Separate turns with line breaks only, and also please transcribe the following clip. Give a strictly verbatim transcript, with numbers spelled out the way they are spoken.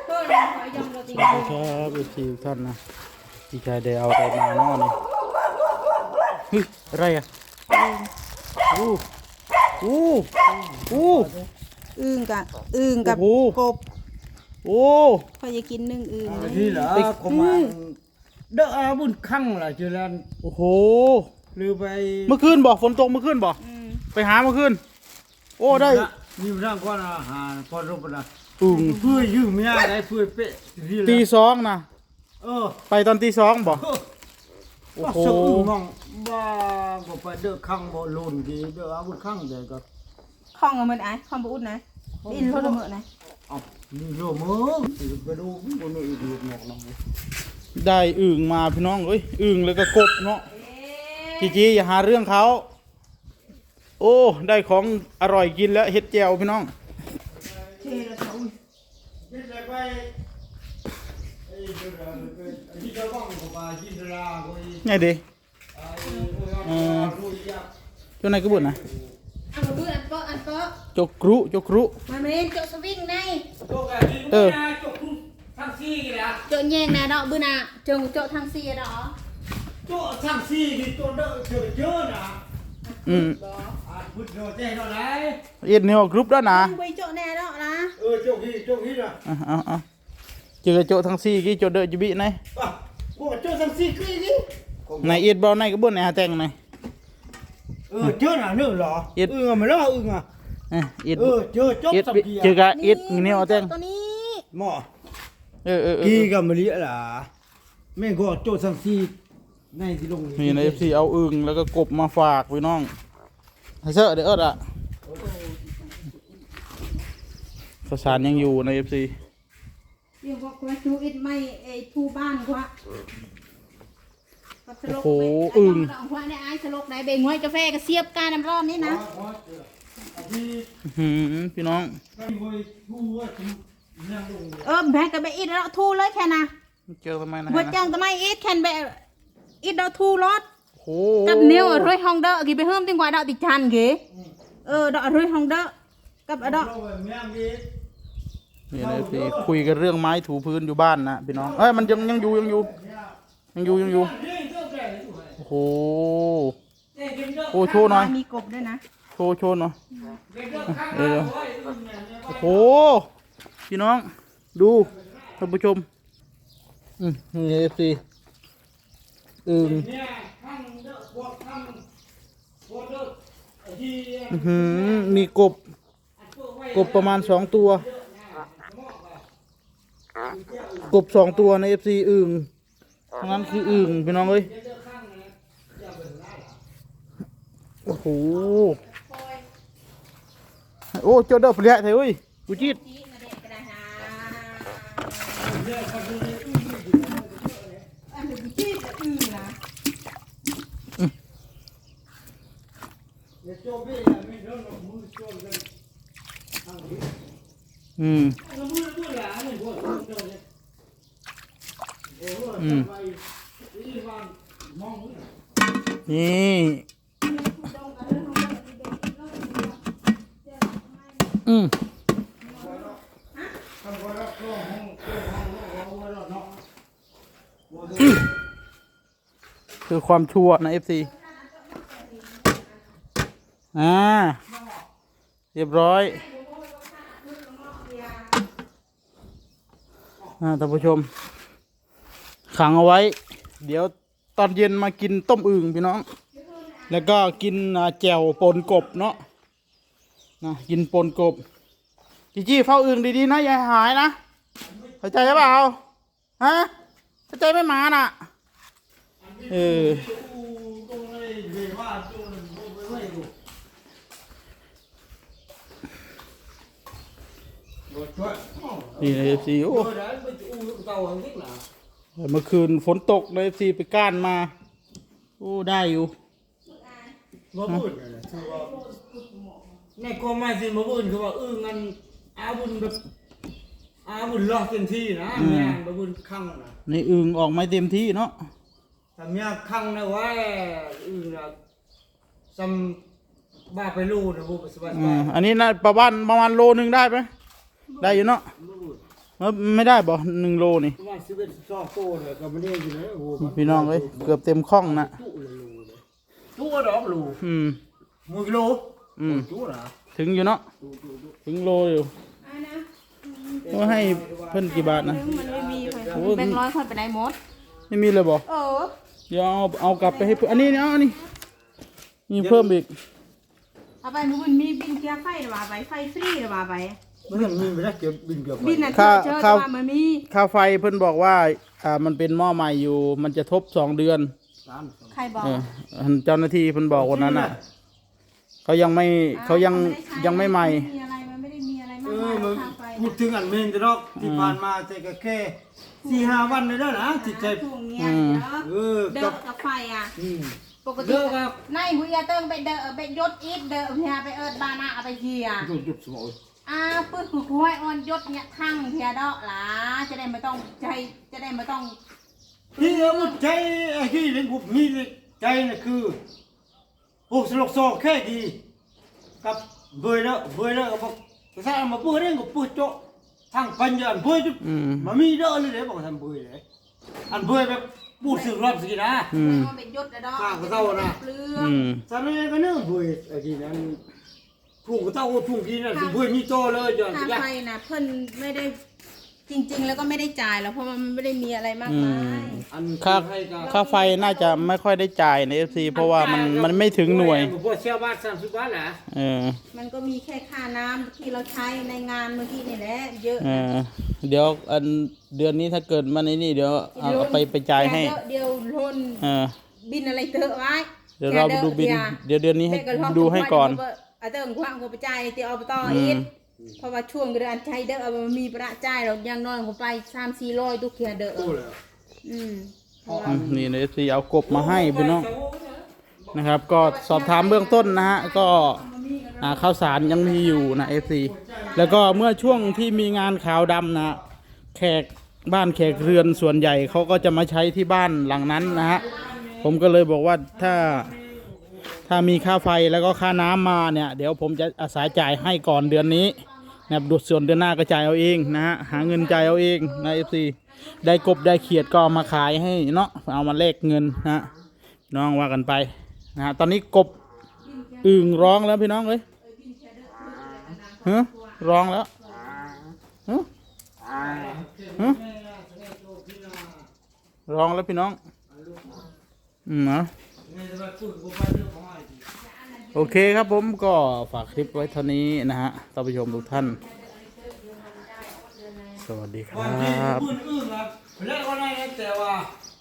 สวัสดีครับเอฟซีท่านนะพี่ชายได้เอาอะไรมาเนาะนี่เฮ้ยอะไรอ่ะอู้อู้อู้
อึ่งกับอึ่งกับ
โอ้โห
กบ
โอ้
พอจะกินนึ่งอึ่ง
ที่เหรอก็มาเด้ออาบุญคั่งล่ะจุลัน
โอ้โห
หรือไป
เมื่อคืนบอกฝนตกเมื่อคืนบอก
อืม
ไปหาเมื่อคืนโอ้ได้
นี่ร่างก่อนอาหารพอรูปนะ
อึ่ง
เพื่อยืมเมียได้เพื่อเป๊ะที่ละ
ตีสองนะ
เออ
ไปตอนตีสองบอกโอ้
ว่า
โห
สอึ่งมองบ้าก็ไปเด้อคั่งบ่ลุนดีเด้ออาบุญคั่งแต่ก็
ข้องเอามันไอ้ข้องบอุดนะอินรถละเมื่อนะ
เอานี่โลมึงไปดูบ่นี่อีกหมอกน้อง
ได้อึ่งมาพี่น้องเอ้ยอึ่งแล้วก็กบเนาะจีจีอย่าหาเรื่องเขาโอ้ได้ของอร่อยกินแล้วเฮ็ดแจ่วพี่น้อง
เท่ละเขานี่ไปไปไอ้เด้อที่จะบ้องก็มากินราก็อี
ไงดี
ไอ้โอ้ยรู้ยัก
เจ้านายกระบุนนะ
เอามาดูอันเปาะอันเปาะ
จกกรุจกกรุ
มาเมนเจาะสวิงใน
โจกอะที่
เออ
มึงนะโจกทั้งซี่กี่ละ
เจาะแยงนะดอกบื้อน่ะเจงเจาะทางเสียดอก
โจกทั้งซี่กี่ตัวเด้อเจอเยอะนะ
อืม
อ่าพุทธโยเจ้เท่าไหร่
เอ็ดเนียวกรุ๊ปแล้วนะ
ไปเจาะแน่ดอกนะ
เออโจกที่โจกที่นะ
อ่ะเอาเอาเจอโจทั้งสี่กี่โจเดอจิบิไหน
อ่ะกูโจกทั้งซี่กี่กี่
ในเอ็ดบอลในกระบุนในหาแตงไหน
เออเจอหน่ะนึกเหรอ
เอ็ด
เออไม่รอเอออ่ะ
เอ็ด
เออเจอโจก
เอ็ด
สักกี่
เจอกะเอ็ดเนียวแตง
ตัวนี้
หม้อ
เออเออเอ
กี่
อ
กับมะลิล่ะแม่ก็โจกทั้งซี่ในที่ลง
นี่ในเอฟซีเอาอึ่งแล้วก็กบมาฝากพี่น้องให้เซอร์เดี๋ยวเอิดอ่ะข้าวสารยังอยู่ในเอฟซี
เดี๋ยวบอกว่าชูอิดไม่ไอ้ทูบ้านกว่า
โอ้โหอึ่ง
ดอกว่าเนี่ยไอ้สลกไหนเบ่งไว้กาแฟก็เสียบการน้ำร้อนนี่นะ
ที่
อื้อหือพี่น้อง
ไม่เคยพูดว่าถึงนั่งลง
เออแพ้กับไปอิดแล้วทูเลยแค่น่ะ
เจอทำไมนะ
บัวจังทำไมอิดแค่นไปอิดเราทูรถ
โอ้โห
กับเนียวรวยฮองเดอกี่ไปเพิ่มติงกว่าดอกติจันกี่เออดอกรวยฮองเดอกับดอก
เราแบบเมียงดี
นี่ในเอฟซีคุยกันเรื่องไม้ถูพื้นอยู่บ้านนะพี่น้องเอ้ยมันยังยังอยู่ยังอยู่ยังอยู่ยังอยู่โอ้โหโอ้โชว์หน่อย
มีกบด้วยนะ
โชว์โชว์หน่อยเดี๋ยวโอ้โหพี่น้องดูท่านผู้ชมอืมนี่เอฟซีอึ่งอื้อหือมีกบกบประมาณสองตัวกบสองตัวในเอฟซีอึ่งทั้งนั้นคืออึ่งพี่น้องเอ้ยโอ้โหโอ้เจ้าเด้อเปลี่ยนเถอะเว้ยกูจีดอืมอืมนี่อืมคือความชั่วนะเอฟซีอ่าเรียบร้อยอ่าท่านผู้ชมขังเอาไว้ เดี๋ยวตอนเย็นมากินต้มอึ่งพี่น้อง แล้วก็กินอ่าแจ่วปนกบเนาะนะกินปนกบจีจี้เฝ้าอึ่งดีๆนะอย่าหายนะเข้าใจหรือเปล่าฮะเข้าใจไม่มาน่ะเออนี่ในเอฟซีโอ้เมื่อคืนฝนตกในเอฟซีไปก้านมาโอ้ได้อยู่
มาบุญนะคือว่าในกองไม้สิมาบุญคือว่าเอองั้นอาบุญแบบอาบุญรอเต็มที่นะแม่มาบุญคั่งนะ
ในอึ่งออกไม่เต็มที่เนาะ
ถ้าเมียคั่งนะว่าอึงนะซ้ำบ้าไปลูนะบุญสบาย
อ่าอันนี้นะประมาณประมาณโลนึงได้ไหมได้อยู่เนาะ
มาบุญ
ปเออไม่ได้บ่หนึ่งโลนี่
ประมาณสิบเอ็ดสิบสองโตเลยก็ไม่ได้อยู่เลยโอ้โห
พี่น้องเอ้ยเกือบเต็มคล่องนะ
ตู้เลยโลเลยตู้ดอกโล
อืม
มือกิโล
อืม
ตู้นะ
ถึงอยู่เนาะถึงโลอยู่
อ่านะ
ว่าให้เพิ่นกี่บาทนะ
ถึงมันไม่มีไป
โอ้
แบงค์ร้อยคนไปไหนหมด
ไม่มีเลยบ่
เออ
เดี๋ยวเอาเอากลับไปให้เพิ่นอันนี้เนาะอันนี้มีเพิ่มอีก
เอาไปมันมีบินเกียร์ไฟหรือว่าไปไฟฟรีหรือว่าไป
มันยังมีไม่ได้เก็บบินเก็บ
บินน่ะ
ค่า
เจอ
ค่า
ว่ามันมี
ค่าไฟเพิ่นบอกว่าอ่ามันเป็นหม้อใหม่อยู่ มันจะทบสองเดือน
ใครบอก
เอออันเจ้าหน้าที่เพิ่นบอกวันนั้นอ่ะเขายังไม่เขายังยังไม่ใหม่
มีอะไรมันไม่ได้มีอะไร
เอ
มาก
อ
มาย
มัน
ค่าไฟ
พูดถึงอันเมนจะดอกที่ผ่านมาแต่ก็แค่สี่ห้าวันเลยเด้อนะจิตใจ
ช่วงเนี้ย
อืม
เออ
เด้
กั
อบ กับไฟอ่ะ
อืม
ปกติ
เด้อกับ
นายหุยเติ้งไปเด้อไปยศอีทเด้อเฮียไปเอิดบานาเอาไปเฮีย
จุดจุดสมอง
อ่าปื้ดผู้ห้อยอ่อนยศเนี่ยทั้งเฮียดอกหลาจะได้ไม่ต้องใจจะได้ไม่ต้อง
ที่เอาใจไอ้ที่เรื่องผมมีใจน่ะคือโอ้สลกซอกแค่ดีกับเบยแล้วเบยแล้วก็บอกภาษามาพูดเรื่องก็พูดโจ๊ะทางปัญญาเบยจุด
อืม
มามีเด้อเลยเด้บอกทำเบยเลยอันเบยแบบพูดสื่อรอบสินะ
อืม
มันเป็นยศนะดอก
ข้างก็เท่านะ
เปลือ
อื
ง
ม
สามีก็เนื้อเบยไอ้ที่นั้นทุ่งก็เท่าทุ่งที่นั่นเบยมีโตเลยจน
ค่า
ยัก
ไฟนะเพิ่นไม่ได้จริง ๆ แล้วก็ไม่ได้จ่ายแล้วเพราะมันไม่ได้มีอะไรมาก
อื
มาม ย
อัน
ค่า
ให้กับ
ค่าไฟน่าจะไม่ค่อยได้จ่ายใน เอฟ ซี เพราะว่ามันมันไม่ถึงหน่วย
พวกเชี่ยวบ้านสามสิบบาทแหละ
เออ
มันก็มีแค่ค่าน้ำที่เราใช้ในงานเมื่อกี้นี่แหละเยอะ
เออเดี๋ยวอันเดือนนี้ถ้าเกิดมันไอ้นี่เดี๋ยวเอาเอาไปไปจ่ายให้
เดี๋ยวล้น
เออ
บินอะไรเถอะไว้
เดี๋ยวเราดูบิน เดี๋ยวเดือนนี้ให้ดูให้ก่อน
เอาเติมความกูไปจ่ายเตียวอบตอีกเพราะว่าช่วงเดือนใช้เด้อเอามันมีประจ่ายเรายังน้อยกูไปสามสี่ร้อยทุกเทียเด้อ
โอ้เลย
อืม
อืมนี่ใน เอฟ ซี เอากบมาให้พี่น้องนะครับ ก็สอบถามเบื้องต้นนะฮะก็อ่าข้าวสารยังมีอยู่นะ เอฟ ซี แล้วก็เมื่อช่วงที่มีงานขาวดำนะแขกบ้านแขกเรือนส่วนใหญ่เขาก็จะมาใช้ที่บ้านหลังนั้นนะฮะผมก็เลยบอกว่าถ้าถ้ามีค่าไฟแล้วก็ค่าน้ำมาเนี่ยเดี๋ยวผมจะอาศัยจ่ายให้ก่อนเดือนนี้นะครับดูส่วนเดือนหน้าก็จ่ายเอาเองนะฮะหาเงินจ่ายเอาเองนะ เอฟ ซี ได้กบได้เขียดก็เอามาขายให้เนาะเอามาแลกเงินนะฮะน้องว่ากันไปนะฮะตอนนี้กบอึ่งร้องแล้วพี่น้องเลยฮะร้องแล้วฮะฮะร้องแล้วพี่น้องอืมเนาะโอเคครับผมก็ฝากคลิปไว้เท่านี้นะฮะท่านผู้ชมทุกท่านสวัสดีค
วัน
รั
ที่
บ
พูดอึ้งครับแล้วก็ได้แต่ว่า